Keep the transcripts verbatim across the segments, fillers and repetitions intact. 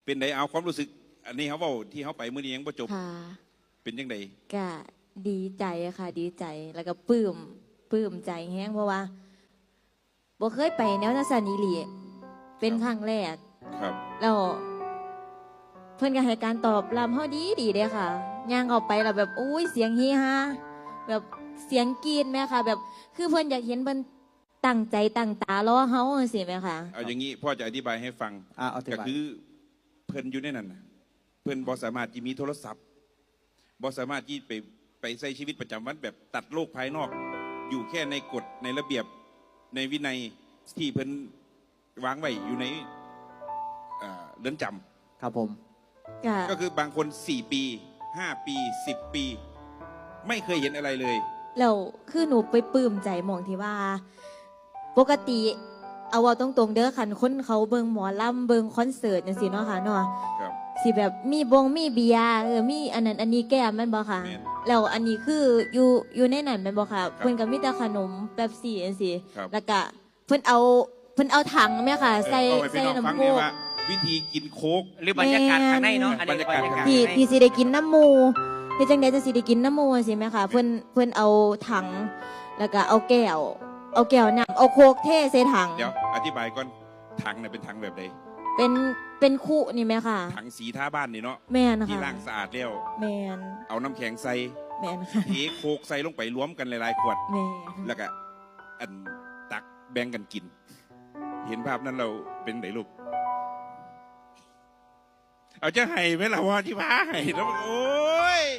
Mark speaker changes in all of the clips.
Speaker 1: เป็นไดเอาความรู้สึกอันนี้เขาบอกที่เขาไปเมื่อนี้ยังประจบเป็นยังไง
Speaker 2: ก็ดีใจค่ะดีใจแล้วก็ปลื้มปลื้มใจแห้งเพราะว่าบ่เคยไปแนวนาซานิลีเป็นครั้งแรก
Speaker 1: ครับ
Speaker 2: แล้วเพื่อนก็ให้การตอบรับเขาดีดีเลยค่ะย่างออกไปแล้วแบบอุ้ยเสียงฮีฮาแบบเสียงกรีดไหมค่ะแบบคือเพื่อนอยากเห็นเพื่อนตั้งใจตั้งตารอเขาสิไหมคะ
Speaker 1: เอาอย่างนี้พ่อจะอธิบายให้ฟังก็คือเพื่อนอยู่ในนั้นเพื่อนบอสามารถที่มีโทรศัพท์บอสามารถที่ไปไปใช้ชีวิตประจำวันแบบตัดโลกภายนอกอยู่แค่ในกฎในระเบียบในวินัยที่เพื่อนวางไว้อยู่ในเรือนจำ
Speaker 3: ครับผม
Speaker 1: ก็คือบางคนสี่ปีห้าปีสิบปีไม่เคยเห็นอะไรเลย
Speaker 2: แล้วคือหนูไปปลื้มใจมองที่ว่าปกติเอาว่าตรงๆเด้อคันคนเขาเบิงหมอลำเบิงคอนเสิร์ตจังซี่เนาะค่ะเนาะสิแบบมีบงมีเบียร์เออมีอันนั้นอันนี้แก้มแม่นบ่ค่ะแล้วอันนี้คืออยู่อยู่ในนั้นแม่นบ่ค่ะเพิ่นก็มีแต่ขนมเป๊ปซี่จังซี่แล้วก็เพิ่นเอาเพิ่นเอาถังแม่ค่ะใส่ใส่น้ำโค้ก
Speaker 1: วิธีกินโค้ก
Speaker 3: หรือบรรยากาศข้างในเนาะอันนี้บรรยากาศ
Speaker 2: ที่ที่สิได้กินน้ำมูเฮ็ดจังได๋จะสิได้กินน้ำมูสิแม่ค่ะเพิ่นเพิ่นเอาถังแล้วก็เอาแก้วเอาแก้วน้ำเอาโคกเทใส่ถัง
Speaker 1: เดี๋ยวอธิบายก่อนถังเนี่ยเป็นถังแบบใด
Speaker 2: เป็นเป็นคู่นี่ไหมค่ะ
Speaker 1: ถังสีท่าบ้านนี่เนาะ
Speaker 2: แม่นค่ะ
Speaker 1: ที่ล้างสะอาดแล้ว
Speaker 2: แม่น
Speaker 1: เอาน้ำแข็งใส่
Speaker 2: แม่นค่ะ
Speaker 1: เทโคกใส่ลงไปรวมกันหลายๆขวด
Speaker 2: แม่
Speaker 1: แล้วก็อันตักแบ่งกันกินเห็นภาพนั้นเราเป็นไหนลูกเอาจะให้ไหมล่ะว่าที่พาให้แล้วโอ้ย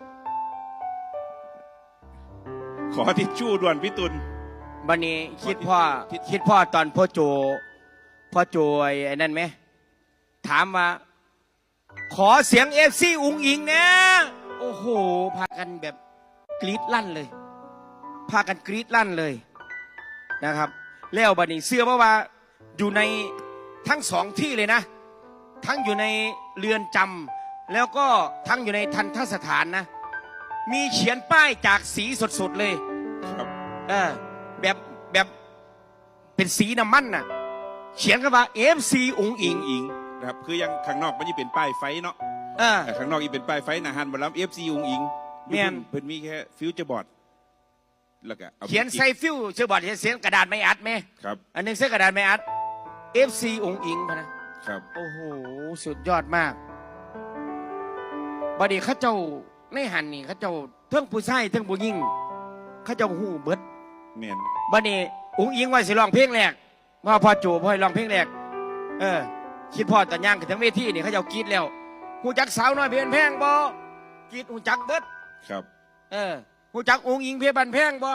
Speaker 1: ขอทิชชู่ด่วนพี่ตุล
Speaker 3: บันนี้คิดพ่อคิดพ่อตอนพ่อโจพ่อโจไอ้นั่นไหมถามว่าขอเสียงเอฟซีอุงอิงนะโอ้โหพากันแบบกรี๊ดลั่นเลยพากันกรี๊ดลั่นเลยนะครับแล้วบันนี้เสื้อว่าว่าอยู่ในทั้งสองที่เลยนะทั้งอยู่ในเรือนจำแล้วก็ทั้งอยู่ในทันทสถานนะมีเขียนป้ายจากสีสดๆเลย
Speaker 1: ครับ
Speaker 3: เออแบบแบบเป็นสีน้ำมันน่ะเขียนกันว่าเอฟซีอุงอิง
Speaker 1: อิงนะครับคือยังข้างนอกมันจะเป็นป้ายไฟเนาะแต่ข้างนอกอีเป็นป้ายไฟนะฮันบอลลัมเอฟซีอุงอิง
Speaker 3: เมียน
Speaker 1: เพิ่นมีแค่ฟิวเจอร์บอร์ดแล้วก็
Speaker 3: เขียนใส่ฟิวเจอร์บอร์ดเขียนกระดาษไม่อัดไหม
Speaker 1: ครับ
Speaker 3: อันนึงใส่กระดาษไม่อัดเอฟซีอุงอิงนะครับโอ้โหสุดยอดมากบัดนี้ข้าเจ้าในหันนี่ข้าเจ้าเทิงผู้ชายเทิงผู้หญิงข้าเจ้าหูเบิด
Speaker 1: เมียน
Speaker 3: บัดนี้อุงอิงว่าสิร้องเพลงแรกว่าพ่อโจพ่อให้ร้องเพลงแรกเออคิดพ่อตอนย่างขึ้นทั้งเวทีนี่เขาเจ้ากรีดแล้วหูจักสาวน้อยเพียนแพงบ่กรีดหูจักเบิด
Speaker 1: ครับ
Speaker 3: เออหูจักอุงอิงเพียบันแพงบ่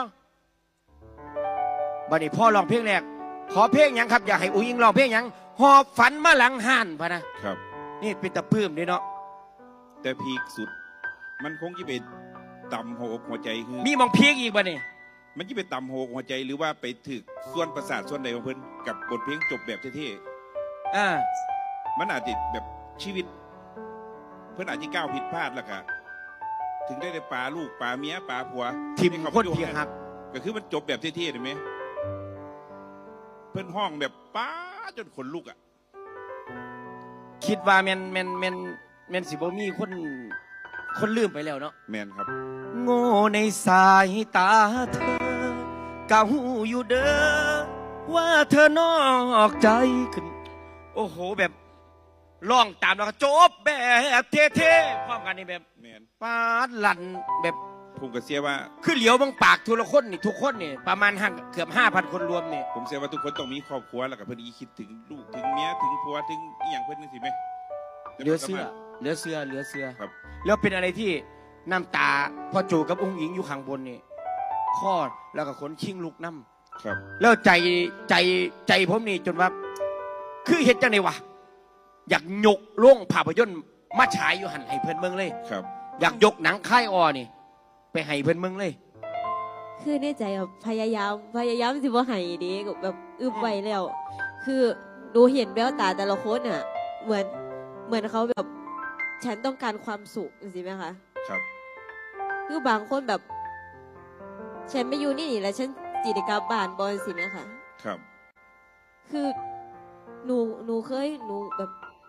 Speaker 3: บัดนี้พ่อร้องเพลงแรกขอเพลงยังครับอยากให้อุงอิงร้องเพลงยังหอบฝันมาหลังห่านพะนะครับนี่เป็นตะพื้มด้วยเนาะ
Speaker 1: แต่พีคสุดมันคงจะเป็นตำหัวอกหัวใจคือ
Speaker 3: มีมองพีคอีกบ่เนี่ย
Speaker 1: มันจะไปตำหัวอกหัวใจหรือว่าไปถึกส่วนประสาทส่วนใดของเพิ่นกับบทเพลงจบแบบเท่
Speaker 3: ๆอ่า
Speaker 1: มันอาจจะแบบชีวิตเพิ่นอาจจะก้าวผิดพลาดแล้วก็ถึงได้ได้ปลาลูกปลาเมียปลาผัว
Speaker 3: ทิมคนเพียงหัก
Speaker 1: ก็คือมันจบแบบเท่ๆเห็นไหมเพิ่นห้องแบบป้าจนขนลุกอ่ะ
Speaker 3: คิดว่าแมนแมนแมนแมนสิบ่มีคนคนลืมไปแล้วเนาะ
Speaker 1: แมนครับ
Speaker 3: โง่ในสายตาเธอเก่าอยู่เด้อว่าเธอนอกใจขึ้นโอ้โหแบบร้องตามแล้วก็จบแบบเท่ๆพร้อมกันนี่แบบ
Speaker 1: แมน
Speaker 3: ปาดลั่นแบบ
Speaker 1: ผมก็เสียว่า
Speaker 3: คือเหลียวบางปากทุกคนนี่ทุกคนนี่ประมาณห้าเกือบห้าพันคนรวมนี่
Speaker 1: ผมเสียว่าทุกคนต้องมีครอบครัวแล้วก็เพิ่นคิดถึงลูกถึงเมียถึงผัวถึงอีหยังเพิ่นนึกสิไหม
Speaker 3: เหลือเสื้อเหลือเสื้อเหลือเสื้อ
Speaker 1: ครับ
Speaker 3: แล้วเป็นอะไรที่น้ำตาพอจูกับองค์หญิงอยู่ข้างบนนี่คลอดแล้วก็ขนชิงลุกน้
Speaker 1: ำครับ
Speaker 3: แล้วใจใจใจผมนี่จนว่าคือเห็นจังไงวะอยากยกโล่งภาพยนตร์มาฉายอยู่หันให้เพื่อนเมืองเลย
Speaker 1: ครับ
Speaker 3: อยากยกหนังค่ายออนี่ไปให้เพื่อนเมืองเลย
Speaker 2: คือในใจแบบพยายามพยายามสิว่าให้ดีแบบอึบไว้แล้วคือดูเห็นแววตาแต่ละคนอ่ะเหมือนเหมือนเขาแบบฉันต้องการความสุขจริงไหมคะ
Speaker 1: ครับ
Speaker 2: คือบางคนแบบฉันไม่อยู่นี่แล้วฉันจิตกรรมบ้านบอลสิไหมคะ
Speaker 1: ครับ
Speaker 2: คือหนูหนูเคยหนูแบบ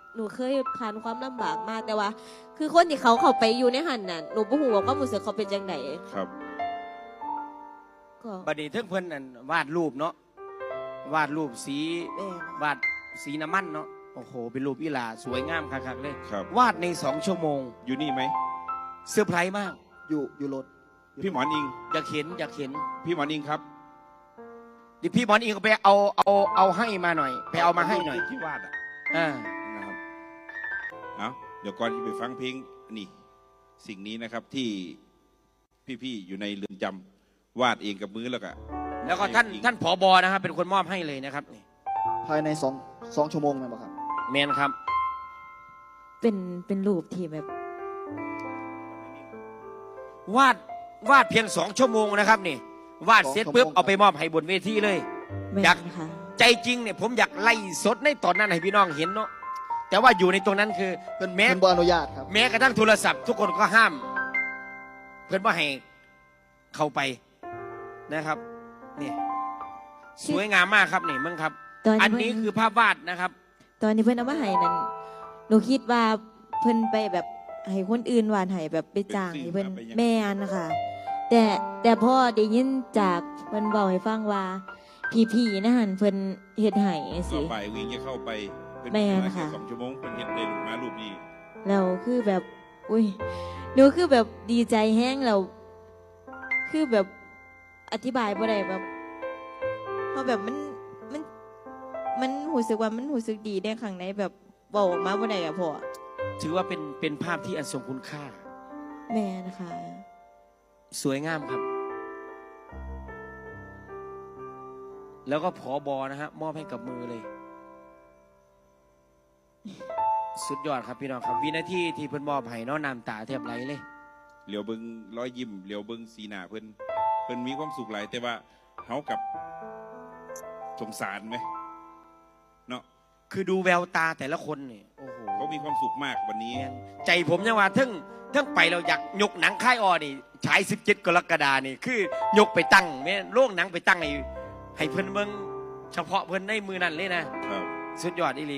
Speaker 2: หนูเคยผ่านความลำบากมากแต่ว่า คือคนที่เขาเข้าไปอยู่ในหันน่ะหนูบ่ฮู้ว่าความรู้สึกเขาเป็นจังได
Speaker 1: ครับ
Speaker 2: ก็
Speaker 3: บัดนี้เทิงเพิ่นนั่นวาดรูปเนาะวาดรูปสี
Speaker 2: แม่น
Speaker 3: วาดสีน้ำมันเนาะโอ้โหเป็นรูปอีหลาสวยงามคักๆเลย
Speaker 1: ครับ
Speaker 3: วาดในสองชั่วโมง
Speaker 1: อยู่นี่ไหม
Speaker 3: เซอร์ไพรส์มาก
Speaker 4: อยู่อยู่รถ
Speaker 1: พี่หมอนอิง
Speaker 3: อยากเห็นอยากเห็น
Speaker 1: พี่หมอนอิงครับ
Speaker 3: เดิพี่บอลอิงก็ไปเอาเอาเอาให้มาหน่อย ไปเอามาให้หน่อย
Speaker 1: ที่วาดอ่ะ
Speaker 3: อ่า
Speaker 1: นะครับเอาเดี๋ยวก่อนที่ไปฟังเพลงนี่ สิ่งนี้นะครับที่พี่ๆอยู่ในเรือนจำวาดเองกับมือแล้วก็
Speaker 3: แล้วก็ท่านท่านผอบอนะครับเป็นคนมอบให้เลยนะครับนี่
Speaker 4: ภายในสองสองชั่วโมงไหมครับ
Speaker 3: แมนครับ
Speaker 2: เป็นเป็นรูปที่แบบ
Speaker 3: วาดวาดเพียงสองชั่วโมงนะครับนี่ วาดเสร็จปุ๊บเอาไปมอบให้บนเวทีเลย
Speaker 2: แม่
Speaker 3: อยาก
Speaker 2: นค่ะ
Speaker 3: ใจจริงเนี่ยผมอยากไล่สดในตอนนั้นให้พี่น้องเห็นเนาะแต่ว่าอยู่ในตรงนั้นคือเพื่อนแม้
Speaker 4: เพิ่นบ่อนุญาตครับ
Speaker 3: แม้กระทั่งโทรศัพท์ ทุกคนก็ห้าม เพื่อนว่าให้เข้าไปนะครับนี่สวยงามมากครับนี่มึงครับ
Speaker 2: ตอน
Speaker 3: อัน
Speaker 2: นี้
Speaker 3: นี้
Speaker 2: เพิ่น
Speaker 3: คือภาพวาดนะครับ
Speaker 2: ตอนนี้เพิ่นเอามาให้นั่นหนูคิดว่าเพิ่นไปแบบให้คนอื่นวาดให้แบบไปจ้างให้เพิ่นแม่นนะคะแต่แต่พอได้ยินจากเพิ่นบอกให้ฟังว่าพี่ๆนะหันเพิ่นเฮ็ดให้
Speaker 1: ต่
Speaker 2: สิ
Speaker 1: อไปวิ่งจะเข้าไปเป็น
Speaker 2: แม่น
Speaker 1: เวลา
Speaker 2: ค่ะ
Speaker 1: แสองชั่วโมงเป็นเห็นได้ลูกมารูปนี้
Speaker 2: แล้วคือแบบ อุ้ยหนูคือแบบดีใจแห้งแล้วคือแบบอธิบายบ่ได้แบบเพราะแบบมันมันมันรู้สึกว่ามันรู้สึกดีได้ข้างในแบบบอกออกมาบ่ได้อะพ่อ
Speaker 3: ถือว่าเป็นเป็นภาพที่อันทรงคุณค่า
Speaker 2: แม่นะคะ
Speaker 3: สวยงามครับ แล้วก็ผอบอนะฮะมอบให้กับมือเลย สุดยอดครับพี่น้องครับ วินาทีที่เพิ่นมอบให้เน้องน้ำตาแทบไหลเลย
Speaker 1: เหลียวเบิงร้อยยิ้มเหลียวเบิงสีหน้าเพิ่นเพิ่นมีความสุขหลายแต่ว่าเฮากับสงสารไหมเนาะ
Speaker 3: คือดูแววตาแต่ละคนนี่โอ้โห
Speaker 1: เขามีความสุขมากวันนี้
Speaker 3: ใจผมยังว่าทั้งทั้งไปเราอยากยกหนังค่ายออนี่ฉายสิบเจ็ดกรกฎานี่คือยกไปตั้งแม่โรงหนังไปตั้งให้ให้เพิ่นเบิ่งเฉพาะเพิ่นในมือนั่นเลยนะครับ สุดยอดอีหลี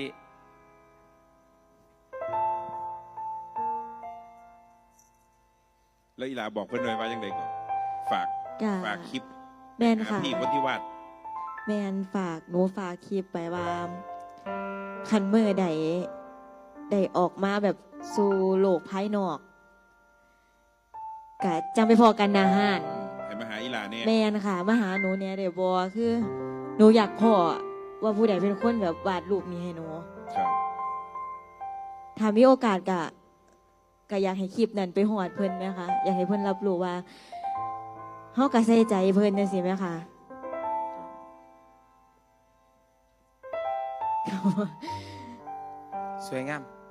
Speaker 1: แล้วอีหลาบอกเพิ่นหน่อยว่ายังไงก่อนฝาก
Speaker 2: จ้า
Speaker 1: ฝากคลิป
Speaker 2: แม่น
Speaker 1: หา
Speaker 2: ค่ะ
Speaker 1: พี่คนที่วาด
Speaker 2: แม่นฝากหนูฝากคลิปไปว่าคันมือใดได้ออกมาแบบสู่โลกภายนอกกะจังไปพอกันนาหาน
Speaker 1: ให้มาหาอีหลาเนี่ย
Speaker 2: แม่นค่ะมาหาหนูเนี่ยเดี๋ยวบอคือ หนูอยากพ่อว่าผู้ใดเป็นคนแบบวาดรูปนี้ให้หนู
Speaker 1: ครับ
Speaker 2: ถ้ามีโอกาสกะก็อยากให้คลิปนั้นไปหอดเพิ่นไหมคะอยากให้เพิ่นรับรู้ว่าเฮากะใส่ใจเพิ่นจังซี่ไหมคะ
Speaker 3: สวยงาม